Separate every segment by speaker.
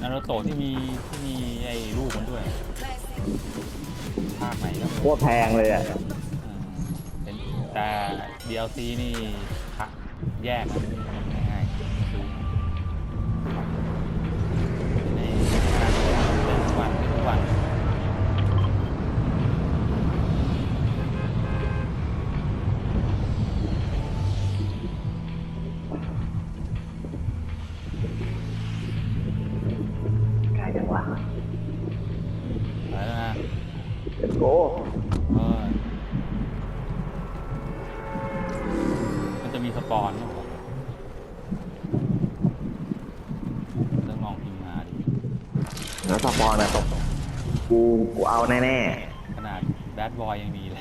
Speaker 1: นารูโตะที่มีไอ้ลูกมันด้วยภาคไหนก็
Speaker 2: โคตรแพงเลยอ่ะ
Speaker 1: เป็นแต่ DLC นี่แยกนะไม่ง่ายซื้อในการเล่นทุกวัน
Speaker 2: ใกล้จังวะ
Speaker 1: ไปแล้วนะ
Speaker 2: Let's go
Speaker 1: มันจะมีสปอนมั้งต้องลองพิมพ์มาดิ
Speaker 2: แล้วสปอนอะกูเอาแน่
Speaker 1: ขนาดแบดบอยยังมีเลย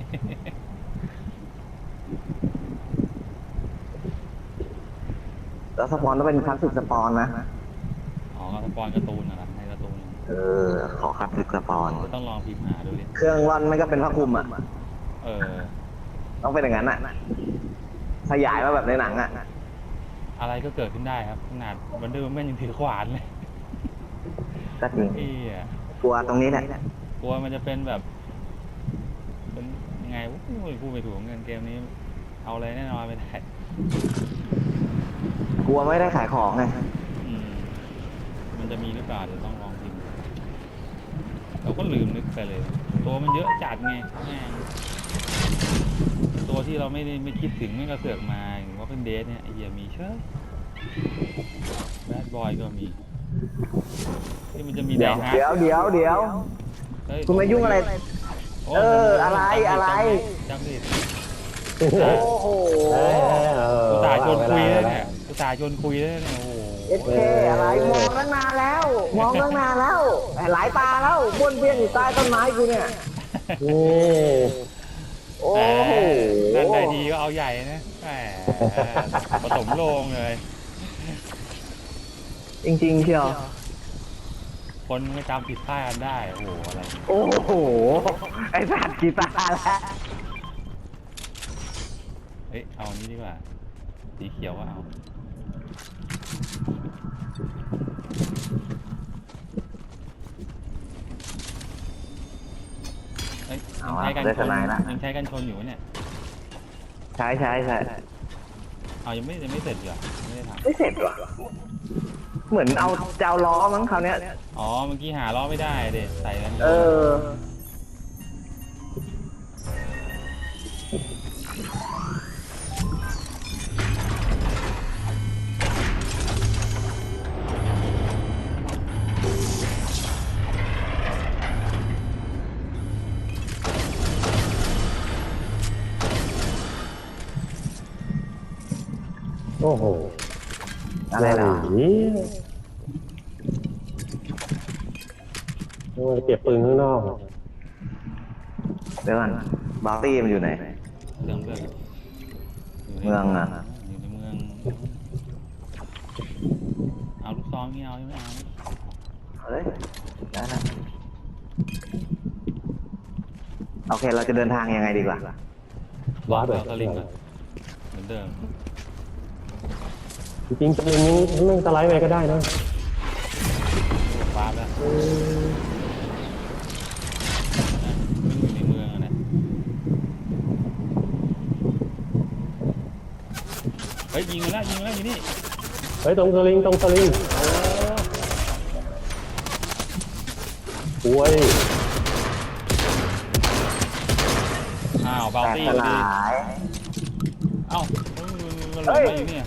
Speaker 2: ๆแล้วสปอนต้องเป็นคลาสสิกสปอนนะ
Speaker 1: อ๋อสปอนการ์ตูนนะครับในการ์ตูน
Speaker 2: ขอคลาสสิกสปอน
Speaker 1: ต้องลองพิมพ์หาดูดิ
Speaker 2: เครื่องร่อนไม่ก็เป็นผ้าคลุมอ่ะต้องเป็นอย่างนั้นอ่ะขยายมาแบบในหนังอ่ะ
Speaker 1: อะไรก็เกิดขึ้นได้ครับขนาดวันเดอร์แมนยังถือขวานเลย
Speaker 2: ก็จริงกลัวตรงนี้แหละ
Speaker 1: กลัวมันจะเป็นแบบเป็นยังไงพูดไปถูกเงินเกมนี้เอาอะไรแน่นอนไม่ได้
Speaker 2: กลัวไม่ได้ขายของไง
Speaker 1: มันจะมีหรือเปล่าเดี๋ยวต้องลองพิมพ์เราก็ลืมนึกไปเลยตัวมันเยอะจัดไงตัวที่เราไม่คิดถึงไม่กระเสือกมาอย่างว่าเป็นเดทเนี่ยไอ้เหี้ยมีเชื่อแบดบอยก็มีที่มันจะมี
Speaker 2: เดี๋ยวคุณมายุ่งอะไรอะไร
Speaker 1: จำดิ
Speaker 2: โอ้โห
Speaker 1: กูตายชวนคุยเลยเนี่ยกูตายชวนคุยเลยเนี่ยโอ้โห
Speaker 2: อะไรมองตั้งนานแล้วหลายตาแล้วบ้วนเบี้ยนอยู่ใต้ต้นไม้กูเนี่ยโอ้โห
Speaker 1: นั่นได้ทีก็เอาใหญ่นะแหมผสมโลงเลย
Speaker 2: จริงๆเชียว
Speaker 1: คนไม่จำผิดพลาดกันได้โอ้โหอะไร
Speaker 2: โอ้โหไอ้สัตว์กีตาร์แล้ว
Speaker 1: เอานี้ดีกว่าสีเขียวก็เอายังใช้กันชนอยู่เนี่ย
Speaker 2: ใช้
Speaker 1: เอายังไม่เสร็จเหรอไม่ได้ทำ
Speaker 2: ไม่เสร็จหรอเหมือนเอาเจ้าล้อมั้งคราวนี้
Speaker 1: อ๋อเมื่อกี้หาล้อไม่ได้เด็ใส่กัน
Speaker 2: โอ้โหอะไรล่ะ
Speaker 3: เก็บปืนข้างนอก
Speaker 2: เดี๋ยวก่อนบาร์ตี้มันอยู่ไหน
Speaker 1: เมือง
Speaker 2: อ่ะ
Speaker 1: อยู่ในเมืองเอาลูกซองนี่เอาไม่เอา
Speaker 2: เฮ้ยได้นะโอเคเราจะเดินทางยังไงดีกว่า
Speaker 3: ว้าแบบ
Speaker 1: สลิงเหมือนเดิม
Speaker 3: จริงๆสลิงนี้ไม่สไลด์ไปก็ได้นะ
Speaker 1: ว้าแล้วอยู่ในเมืองนะยิงแล้วอยู่นี่
Speaker 3: ตรงสลิงโอ้ย
Speaker 1: บาร์ตี้ดีมันหลงมาอยู่เนี่ย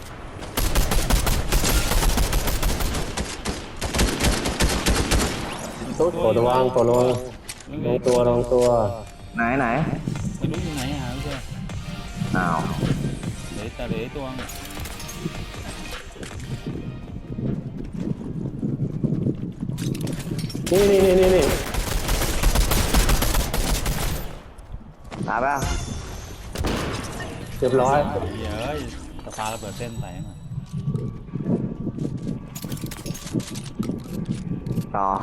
Speaker 3: ตัววางลงตัว
Speaker 2: ไหน
Speaker 1: ไม่รู้อยู่ไหนหาไม่เจอเหลือตัว
Speaker 3: นี่
Speaker 2: ตายป่ะ
Speaker 3: เรียบร้อย
Speaker 1: สปาระเบิดเส้นใส่มา
Speaker 2: ต่อ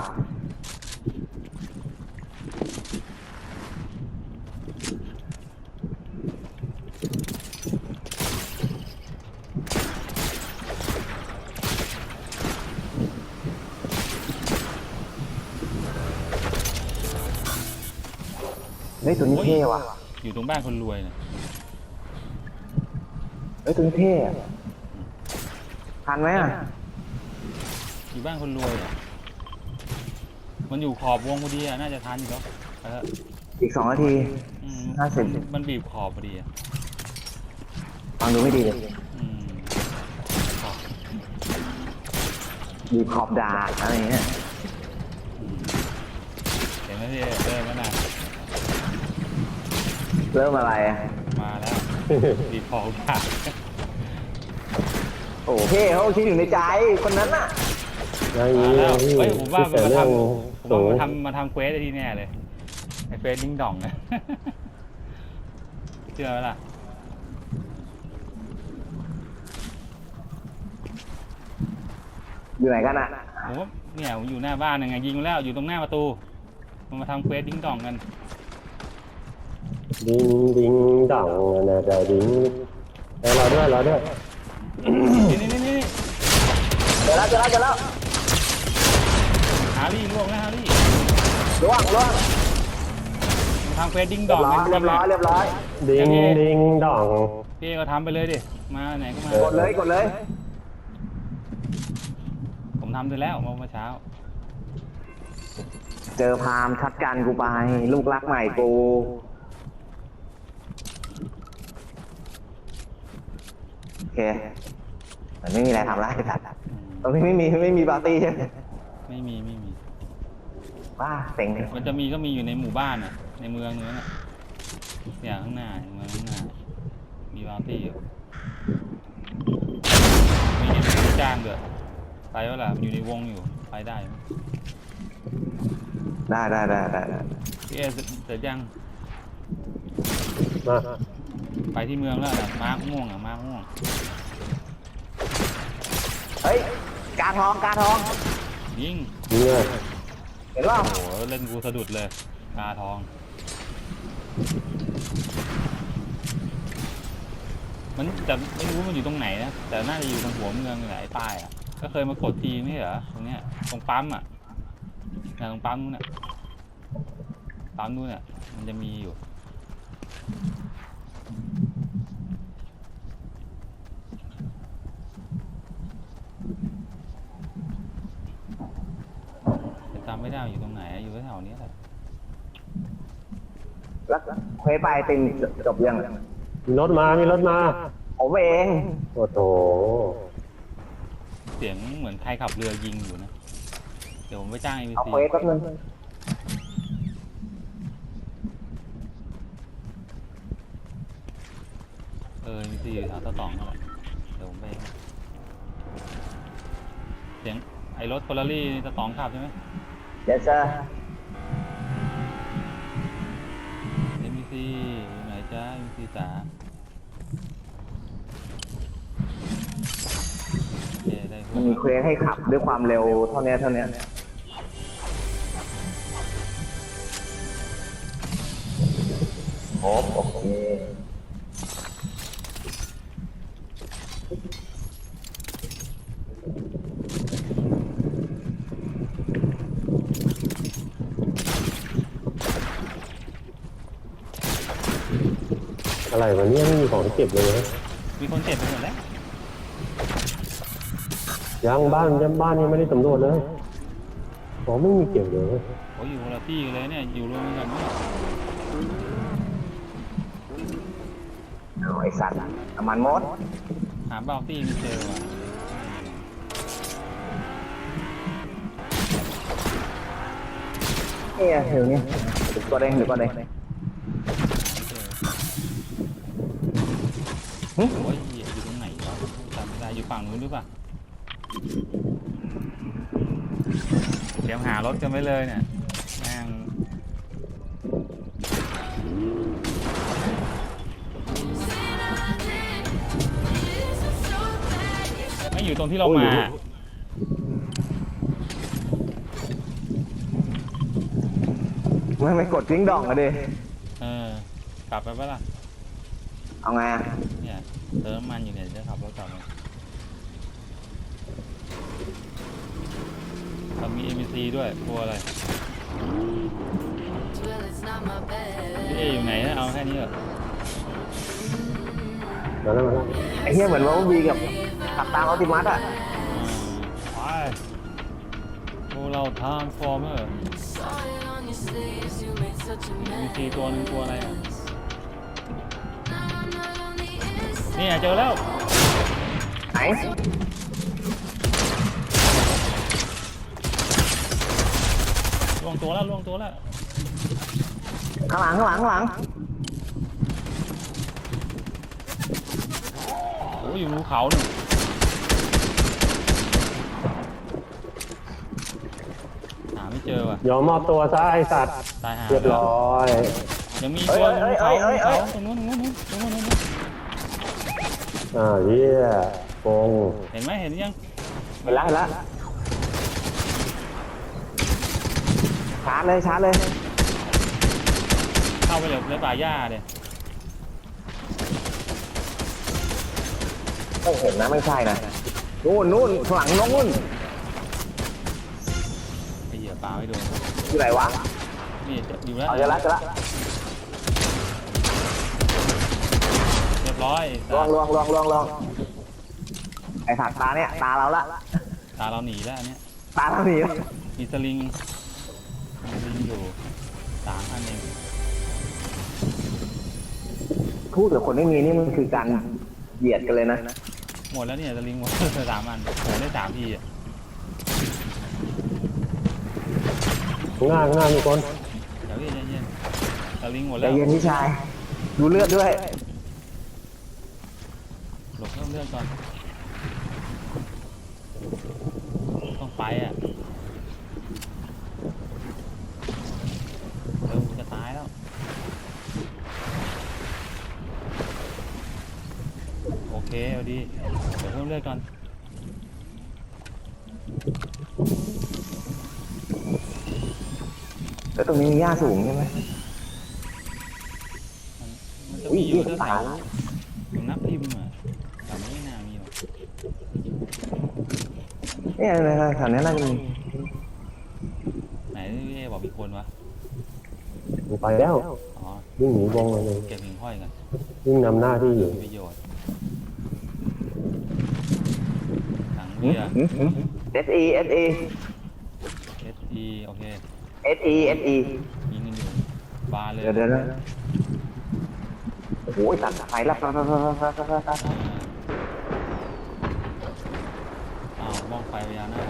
Speaker 2: เฮ้ยตัวนี้เท่ว่ะ
Speaker 1: อยู่ตรงบ้านคนรวยนะ
Speaker 2: เฮ้ยตัวนี้เท่อะทันไหมอ่ะ
Speaker 1: อยู่บ้านคนรวยอะมันอยู่ขอบวงพอดีอะน่าจะทันอยู่แล้วเออ
Speaker 2: อีก2 นาที
Speaker 1: อืม
Speaker 2: 50
Speaker 1: มันบีบขอบพอดีอะ
Speaker 2: ฟังดูไม่ดีเลย
Speaker 1: อืมขอบ
Speaker 2: ดีขอบดาดอะไรเงี้ย
Speaker 1: เห็นไหมพี่เริ่มแล้วนะ
Speaker 2: เริ่มอะไรอะ
Speaker 1: มาแล้วบีบขอบค่ะ
Speaker 2: โอ้เท่เขาคิดอยู่ในใจคนนั้นน่ะ
Speaker 3: อย่าง
Speaker 1: มา
Speaker 3: นี้
Speaker 1: แล้ว
Speaker 3: พี่
Speaker 1: เฮ้ยผมว่า
Speaker 3: แต่
Speaker 1: มันมา
Speaker 3: เรื่
Speaker 1: ท
Speaker 3: อง
Speaker 1: ำผม
Speaker 3: สู
Speaker 1: ว่าง มาทำเควสได้ที่แน่เลยไอ้เควสดิ้งดองนะ เชื่อไหมล่ะ
Speaker 2: อยู่ไหนกันอ่ะ
Speaker 1: ผมว่าเนี่ยผมอยู่หน้าบ้านยังไงยิงมาแล้วอยู่ตรงหน้าประตูมันมาทำเควสดิ้งดองกัน
Speaker 3: ดิ้งดิ้งด่องนะแต่ดิ้งรอด้วยรอด้วย
Speaker 1: นี่
Speaker 2: เจอแล้ว
Speaker 1: ฮารี่ล่วงแล้วฮารี่
Speaker 2: ล่วง
Speaker 1: มาทำเควสดิ้ง
Speaker 2: เรี
Speaker 1: ด
Speaker 2: ย
Speaker 1: อบ ง
Speaker 2: ร้อย
Speaker 1: กัน
Speaker 2: เรียบร้อยเรียบร้อย
Speaker 3: ดิ้งดิ้งด่อง
Speaker 1: พี่ก็ทำไปเลยดิมาไหนก็มา
Speaker 2: กดเลย
Speaker 1: ผมทำไปแล้วเมื่อเช้า
Speaker 2: เจอพามชัดกันกูไปลูกรักใหม่กูโอเคมันไม่มีอะไรทำแล้วไอ้สัตว์ตรงนี้ไม่มีปาร์ตี้ใช่ไหม
Speaker 1: ไม่มี
Speaker 2: ว้าเซ็งเลย
Speaker 1: มันจะมีก็มีอยู่ในหมู่บ้านอ่ะในเมืองนู้นอ่ะเนี่ยข้างหน้าเมืองข้างหน้ามีบาร์ตี้อยู่มีเงินจ้างด้วยไปวะล่ะมันอยู่ในวงอยู่ไปได้ไหม
Speaker 2: ได้
Speaker 1: พี่เอเสร็จยัง
Speaker 3: มา
Speaker 1: ไปที่เมืองแล้วนะมาร์กม่วงอ่ะมาร์กม่วง
Speaker 2: เฮ้ยกาทอง
Speaker 1: ยิง
Speaker 3: ยิงเลย
Speaker 2: เห็นป่ะ
Speaker 1: โอ้โหเล่นกูสะดุดเลยตาทอง มันแต่ไม่รู้มันอยู่ตรงไหนนะแต่น่าจะอยู่ตรงหัวเมืองนี่แหละไอ้ป้ายอ่ะก็เคยมากดทีไม่ใช่เหรอตรงเนี้ยตรงปั๊มอ่ะตรงปั๊มนู้นอ่ะปั๊มนู้นอ่ะมันจะมีอยู่แต่จำไม่ได้ว่าอยู่ตรงไหนอยู่แถวๆนี้แหละ
Speaker 2: แล้วเควสไปติมจบยัง
Speaker 3: มีรถมา
Speaker 2: ผมเอง
Speaker 3: โอ้โห
Speaker 1: เสียงเหมือนใครขับเรือยิงอยู่นะเดี๋ยวผมไปจ้าง
Speaker 2: เอา
Speaker 1: ABC
Speaker 2: เควสแป๊บนึง
Speaker 1: ABC อยู่แถวตะตองนั่นแหละเดี๋ยวผมไปเสียงไอ้รถเฟอร์รารี่ตะตองขับใช่ไหม
Speaker 2: เดี๋ยวเจอ
Speaker 1: ABC อยู่ไหนจ้า ABC จ๋าโอเคได้พว
Speaker 2: มั
Speaker 1: ก
Speaker 2: นมีเควสให้ขับด้วยความเร็วเท่านี้โอเค
Speaker 3: อะไรวะเนี่ยไม่มีของเก็บเลยนะ
Speaker 1: มีคนเจ็บไปหมดแล้ว
Speaker 3: ยังบ้านยังไม่ได้สำรวจเลยของไม่มีเก็บเลย
Speaker 1: โอ้ยอยู่คนละที่กันเลยเนี่ยอยู่รวมกันเนี่ย
Speaker 2: เอาไอสัตว์น้ำมันมด
Speaker 1: หาเบาตี้ไม่เจอว่ะ
Speaker 2: เนี่ยเดี๋ยวนี้เดี๋ยวก็ได้
Speaker 1: ไม่เจอโอ้ยอยู่ตรงไหนวะจำไม่ได้อยู่ฝั่งนู้นหรือเปล่าเตรียมหารถกันไว้เลยเนี่ยแม่งไม่อยู่ตรงที่เรามา
Speaker 2: ไม่กดทิ้งดองอะดิ
Speaker 1: กลับไปปะล่ะ
Speaker 2: เอาไงอะ
Speaker 1: เนี่ยเติมน้ำมันอยู่เนี่ยจะขับรถกลับมาเรามี MBC ด้วยกลัวอะไร
Speaker 4: Well, it's not my bad.
Speaker 1: พี่เอนี้เหรอ
Speaker 3: มาแล้วมาแล้ว
Speaker 2: ไอ้เหี้ยเหมือนว่าวีกับขับตามออติมัสอ่ะ
Speaker 1: ไปพวกเราทำฟอร์เมอร์มี4ตัวหนึ่งตัวอะไรอ่ะนี่เจอแล้ว
Speaker 2: ไหน
Speaker 1: ล่วงตัวแล้วล่วงตัวแล้ว
Speaker 2: ข้างหลังข้างหลังข้างหลัง
Speaker 1: โอ้ยอยู่ภูเขาหนึ่งหาไม่เจอว่ะ
Speaker 3: ยอมมอบตัวซะไอสัตว์
Speaker 1: ตายหา
Speaker 3: เรียบร้อย
Speaker 1: ยังมีตัวบนภูเขาตรงนู้นตรงนู้นตรงนู้น
Speaker 3: เฮียโกง
Speaker 1: เห็นไหมเห็นยัง
Speaker 2: เห็นแล้วเห็นแล้วชาร์จเลยชาร์จเลย
Speaker 1: เข้าไปเลยในป่าหญ้าเลย
Speaker 2: ไม่เห็นนะไม่ใช่นะนู่นนู่นข้างหลังนู่น
Speaker 1: ไอ้เหี้ยปลาไม่โดน
Speaker 2: อยู่ไหนวะ
Speaker 1: นี่อยู่แล้ว
Speaker 2: เอาเจอละเจอละ
Speaker 1: เรียบร้อย
Speaker 2: ลวงไอ้สัตว์ตาเนี่ยตาเราละ
Speaker 1: ตาเราหนีแล้วอันเนี้ย
Speaker 2: ตาเราหนีละ
Speaker 1: มีสลิงอยู่3 อันเอง
Speaker 2: พูดกับคนไม่มีนี่มันคือการเหยียดกันเลยนะ
Speaker 1: หมดแล้วเนี่ยสลิงหมด 3 อันโหได้3 ทีอ่ะ
Speaker 3: ง่ายมีคน
Speaker 1: เดี๋ยวเย็นสลิงหมด
Speaker 2: ใจ
Speaker 1: แล้ว
Speaker 2: เย็นพี่ชาย ดูเลือดด้วย
Speaker 1: หลบเพิ่มเลือดก่อนต้องไปอ่ะเร็วจะตายแล้วโอเคเอาดีเดี๋ยวเพิ่มเลือดก่อน
Speaker 2: แล้วตรงนี้มีหญ้าสูงใช่ไหม
Speaker 1: มันจะมีอยู่แถวๆตรงนับทิมอ่ะแต่ไม่น่ามีหรอก
Speaker 2: เนี่ยอะไรแถวนี้น่าจะมี
Speaker 1: ไหนเอ๊บอกมีคนวะ
Speaker 3: ไปแล้ว
Speaker 1: อ๋อ
Speaker 3: วิ่งหนีวงเลย
Speaker 1: เก็บหิ่งห้อยกัน
Speaker 3: วิ่งนำหน้าที่อยู่
Speaker 1: มีประโยชน์ถังเบียร์
Speaker 2: SE SE
Speaker 1: SE โอเค
Speaker 2: SE SE
Speaker 1: ยิงกันอยู่บาร์เลย
Speaker 2: เดี๋ยวโอ้โหตัดไฟแล้ว
Speaker 1: อ้าวบ้องไฟพญานาค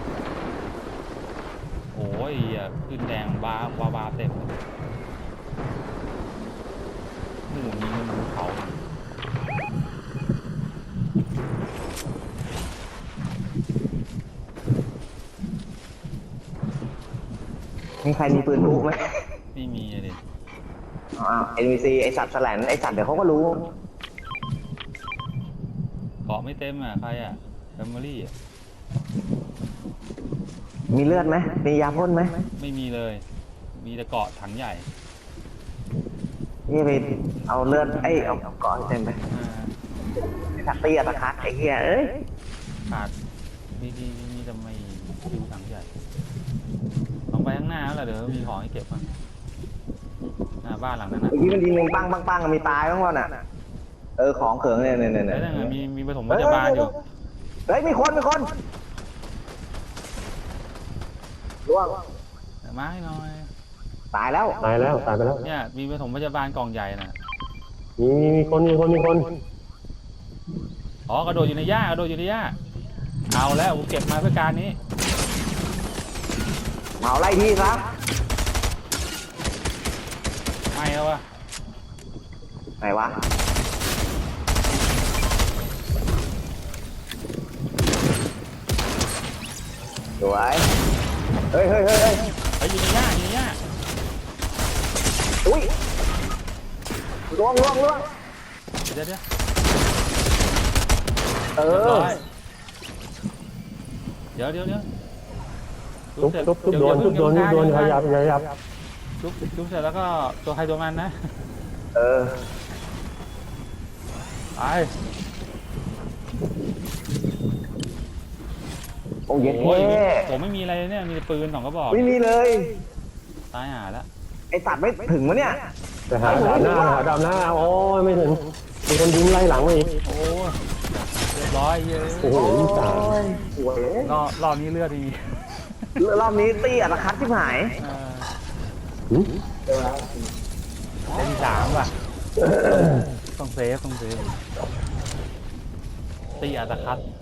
Speaker 1: โอ้ยอ่ะขึ้นแดงบาร์เต็มหมูยิงกันบนเขา
Speaker 2: มีใครมีปืนพลุไหม
Speaker 1: ไม่มีอะดิ
Speaker 2: NPC ไอสัตว์แสลนไอสัตว์เดี๋ยวเขาก็รู้
Speaker 1: เกาะไม่เต็มอ่ะใครอ่ะแฟมิลี่อ่ะ
Speaker 2: มีเลือดไหมมียาพ่นไหม
Speaker 1: ไม่มีเลย มีแต่เกาะถังใหญ่
Speaker 2: นี่ไปเอาเลือดเอาก่อนเต็มไป
Speaker 1: อ่า
Speaker 2: สักตีอะตะคักไอ้เหี้ยเอ้ย
Speaker 1: ขาดมีแต่ไม่ดูถังใหญ่ลองไปข้างหน้าแล้วล่ะเดี๋ยวมีของให้เก็บมั้งหน้าบ้านหลังนั้นนะ
Speaker 2: เมื่อกี้มันยิงปังมีตายบ้างวะน่ะของเขิงเนี่ย
Speaker 1: แล้วนั่นไงมีปฐมพยาบาลอยู่
Speaker 2: เฮ้ยมีคนล่วง
Speaker 1: มาให้หน่อย
Speaker 2: ตายแล้ว
Speaker 3: ตายไปแล้ว
Speaker 1: เนี่ยมีปฐมพยาบาลกล่องใหญ่น่ะ
Speaker 3: มีคน
Speaker 1: อ๋อกระโดดอยู่ในหญ้าเอาแล้วกูเก็บมาเพื่อการนี้
Speaker 2: เผาไล่ที่ซะ
Speaker 1: ไม่แล้ววะ
Speaker 2: ไหนวะสวยเฮ้ย
Speaker 1: ไปอยู่ในหญ้า
Speaker 2: อุ้ยล่วง
Speaker 1: เดี๋ยว
Speaker 2: เอ
Speaker 1: เรียบ
Speaker 2: อ
Speaker 1: ร้อยเดี๋ยว
Speaker 3: ทุบโดนขยับ
Speaker 1: ทุบเสร็จแล้วก็ตัวใครตัวมันนะ
Speaker 2: เออ
Speaker 1: ไป
Speaker 2: โอ้ย
Speaker 1: โอ้ย
Speaker 2: เท่
Speaker 1: ผมไม่มีอะไรเลยเนี่ยมีแต่ปืน2 กระบอก
Speaker 2: ไม่มีเลย
Speaker 1: ตายหาแล้ว
Speaker 2: ไอสัตว์ไม่ถึงวะเนี่ย
Speaker 3: ไปหาดาบหน้าไปหาดาบหน้าโอ้ยไม่ถึงมีคนยิงไล่หลังมาอีก
Speaker 1: โอ้ยเรียบร้อยเยอะ
Speaker 3: โอ้โหยิงสาม
Speaker 2: โอ้ย
Speaker 1: รอบนี้เลือดดี
Speaker 2: รอบนี้ตีอัตคัดที่หาย
Speaker 3: หึ
Speaker 1: ได้ที่3ว่ะต้องเซฟตีอัตคัด